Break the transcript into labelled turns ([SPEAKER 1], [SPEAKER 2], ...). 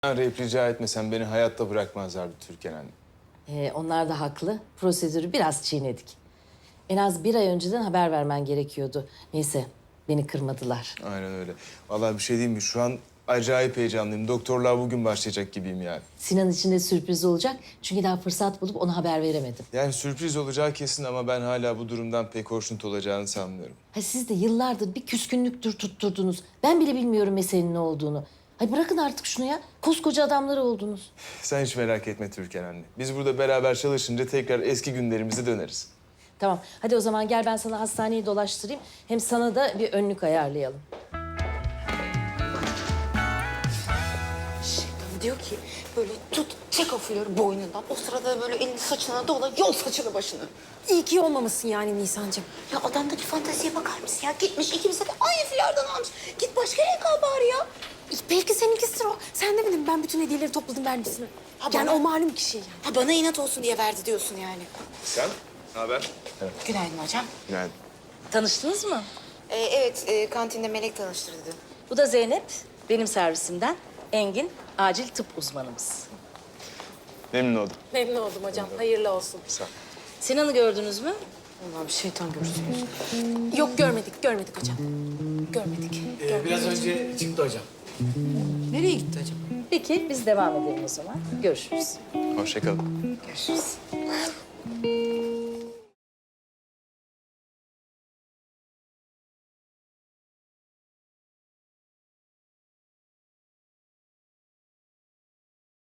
[SPEAKER 1] Arayıp rica etmesen beni hayatta bırakmazlardı Türkan anne.
[SPEAKER 2] Onlar da haklı. Prosedürü biraz çiğnedik. En az bir ay önceden haber vermen gerekiyordu. Neyse, beni kırmadılar.
[SPEAKER 1] Aynen öyle. Vallahi bir şey diyeyim mi? Şu an acayip heyecanlıyım. Doktorluğa bugün başlayacak gibiyim yani.
[SPEAKER 2] Sinan için de sürpriz olacak. Çünkü daha fırsat bulup ona haber veremedim.
[SPEAKER 1] Yani sürpriz olacağı kesin ama ben hala bu durumdan pek hoşnut olacağını sanmıyorum.
[SPEAKER 2] Ha, siz de yıllardır bir küskünlüktür tutturdunuz. Ben bile bilmiyorum meselenin ne olduğunu. Ay bırakın artık şunu ya. Koskoca adamlar oldunuz.
[SPEAKER 1] Sen hiç merak etme Türkan anne. Biz burada beraber çalışınca tekrar eski günlerimize döneriz.
[SPEAKER 2] Tamam, hadi o zaman gel ben sana hastaneyi dolaştırayım. Hem sana da bir önlük ayarlayalım.
[SPEAKER 3] Diyor ki böyle tut, çek o flörü boynundan. O sırada böyle elini saçına dola, yol saçını başını.
[SPEAKER 4] İyi ki olmamışsın yani Nisan'cığım.
[SPEAKER 3] Ya adamdaki fanteziye bakar mısın ya? Gitmiş ikimize de aynı flörden almış. Git başka renk al bari ya.
[SPEAKER 4] Belki seninkisidir o. Sen de bilin ben bütün hediyeleri topladım vermişsin. Yani
[SPEAKER 3] bana-
[SPEAKER 4] o malum kişi yani.
[SPEAKER 3] Ha bana inat olsun diye verdi diyorsun yani.
[SPEAKER 1] Sen? Ne haber? Evet.
[SPEAKER 3] Günaydın hocam.
[SPEAKER 1] Günaydın.
[SPEAKER 2] Tanıştınız mı?
[SPEAKER 3] Evet, kantinde Melek tanıştırdı.
[SPEAKER 2] Bu da Zeynep, benim servisimden. Engin, acil tıp uzmanımız.
[SPEAKER 1] Memnun oldum.
[SPEAKER 4] Memnun oldum hocam. Hayırlı olsun.
[SPEAKER 1] Sağ ol.
[SPEAKER 2] Sinan'ı gördünüz mü?
[SPEAKER 3] Allah'ım şeytan görsün.
[SPEAKER 4] Yok görmedik hocam. Görmedik.
[SPEAKER 5] Biraz önce çıktı hocam.
[SPEAKER 3] Nereye gitti acaba?
[SPEAKER 2] Peki, biz devam edelim o zaman. Görüşürüz.
[SPEAKER 1] Hoşça kalın.
[SPEAKER 3] Görüşürüz.